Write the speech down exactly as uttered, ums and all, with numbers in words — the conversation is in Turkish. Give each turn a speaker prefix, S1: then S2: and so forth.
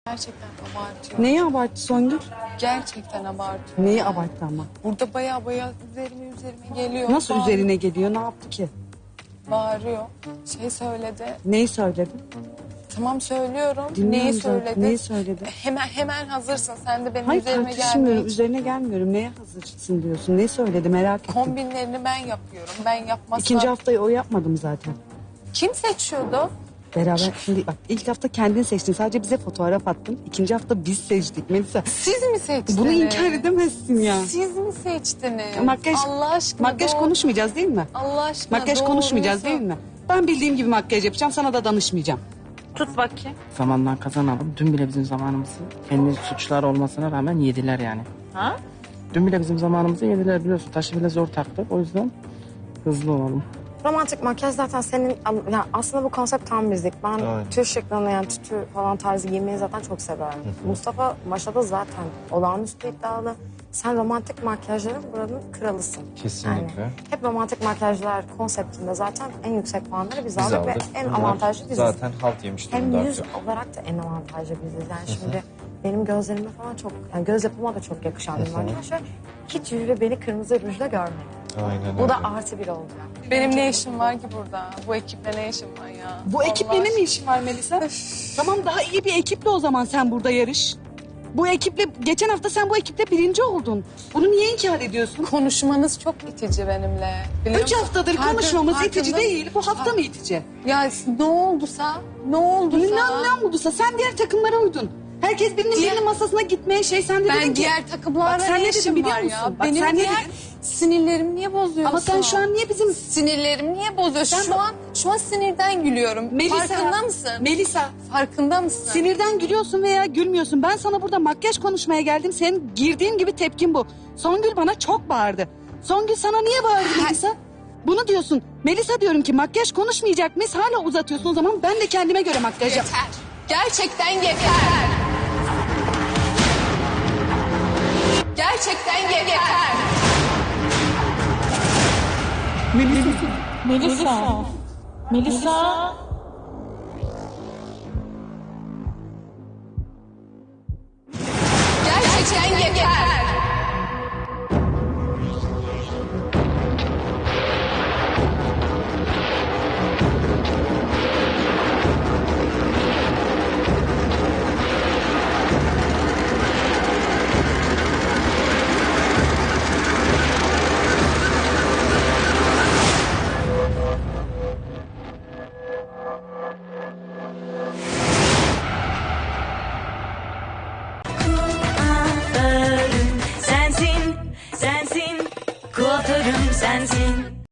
S1: Gerçekten abartıyor.
S2: Neyi abarttı Songül?
S1: Gerçekten abartıyor.
S2: Neyi abarttı ama?
S1: Burada baya baya üzerime üzerime geliyor.
S2: Nasıl
S1: Bağır-
S2: üzerine geliyor? Ne yaptı ki?
S1: Bağırıyor. Şey söyledi.
S2: Neyi söyledi?
S1: Tamam söylüyorum.
S2: Dinliyorum
S1: Neyi
S2: zaten.
S1: söyledi?
S2: Neyi söyledi?
S1: Hemen hemen hazırsın. Sen de benim
S2: Hayır
S1: üzerime
S2: tartışmıyorum.
S1: gelmeye
S2: Üzerine gelmiyorum. Neye hazırsın diyorsun? Ne söyledi merak ettim.
S1: Kombinlerini ben yapıyorum. Ben yapmazsam...
S2: İkinci haftayı o yapmadı mı zaten?
S1: Kim seçiyordu?
S2: Beraber şimdi bak ilk hafta kendin seçtin. Sadece bize fotoğraf attın. İkinci hafta biz seçtik Melisa.
S1: Siz mi seçtiniz?
S2: Bunu inkar edemezsin ya.
S1: Siz mi seçtiniz?
S2: Makyaj,
S1: Allah aşkına
S2: makyaj
S1: doğru-
S2: konuşmayacağız değil mi?
S1: Allah aşkına
S2: Makyaj
S1: doğruyu
S2: konuşmayacağız
S1: sor-
S2: değil mi? Ben bildiğim gibi makyaj yapacağım. Sana da danışmayacağım.
S1: Tut bakayım.
S3: Zamandan kazanalım. Dün bile bizim zamanımızı kendi suçlar olmasına rağmen yediler yani.
S1: Ha?
S3: Dün bile bizim zamanımızı yediler biliyorsun. Taşı bile zor taktık. O yüzden hızlı olalım.
S4: Romantik makyaj zaten senin, yani aslında bu konsept tam bizlik. Ben
S5: Aynen.
S4: tüy şıklığını yani tütü falan tarzı giymeyi zaten çok seviyorum. Mustafa Maşa'da zaten olağanüstü iddialı. Sen romantik makyajların buranın kralısın.
S5: Kesinlikle.
S4: Yani hep romantik makyajlar konseptinde zaten en yüksek puanları biz,
S5: Biz
S4: aldık, ve
S5: aldık.
S4: en
S5: Bunlar
S4: avantajlı biziz.
S5: Zaten halt yemiş
S4: Hem
S5: durumda
S4: yüz
S5: artık.
S4: olarak da en avantajlı biziz. Yani şimdi benim gözlerime falan çok, yani göz yapıma da çok yakışan bir makyaj ve hiç jüri beni kırmızı rujla görmedi.
S5: Aynen
S4: Bu da
S5: öyle.
S4: artı bir oldu.
S1: Benim ne işim var ki burada? Bu ekiple ne işim var ya?
S2: Bu ekiple
S1: Allah
S2: ne mi işin var Melisa? Tamam daha iyi bir ekiple o zaman sen burada yarış. Bu ekiple, geçen hafta sen bu ekiple birinci oldun. Bunu niye inkar ediyorsun?
S1: Konuşmanız çok itici benimle. Biliyor
S2: Üç
S1: musun?
S2: haftadır
S1: Farkın-
S2: konuşmamız
S1: farkında-
S2: itici değil. Bu hafta mı itici?
S1: Ya ne olduysa, ne olduysa.
S2: Ne, ne olduysa sen diğer takımlara uydun. Herkes birinin
S1: Diğer-
S2: birinin masasına gitmeye şey sen de dedin
S1: Ben
S2: ki.
S1: diğer takımlarla
S2: Bak sen
S1: ne
S2: ne dedin
S1: işim
S2: biliyor
S1: var
S2: musun?
S1: ya?
S2: Bak
S1: Benim
S2: sen ne
S1: diğer
S2: dedin?
S1: sinirlerimi niye bozuyorsun?
S2: Ama sen şu an niye bizim...
S1: Sinirlerimi niye bozuyorsun?
S2: Sen
S1: şu
S2: bak-
S1: an şu an sinirden gülüyorum.
S2: Melisa,
S1: Farkında mısın?
S2: Melisa,
S1: Farkında mısın?
S2: sinirden gülüyorsun veya gülmüyorsun. Ben sana burada makyaj konuşmaya geldim. Senin girdiğin gibi tepkin bu. Songül bana çok bağırdı. Songül sana niye bağırdı Melisa? Bunu diyorsun. Melisa diyorum ki makyaj konuşmayacak mıyız? Hala uzatıyorsun o zaman ben de kendime göre makyaj yap.
S1: Yeter. Gerçekten yeter. Gerçekten yeter.
S6: Melisa. Melisa.
S1: Gerçekten yeter.
S7: Kuaförüm sensin, sensin, kuaförüm sensin.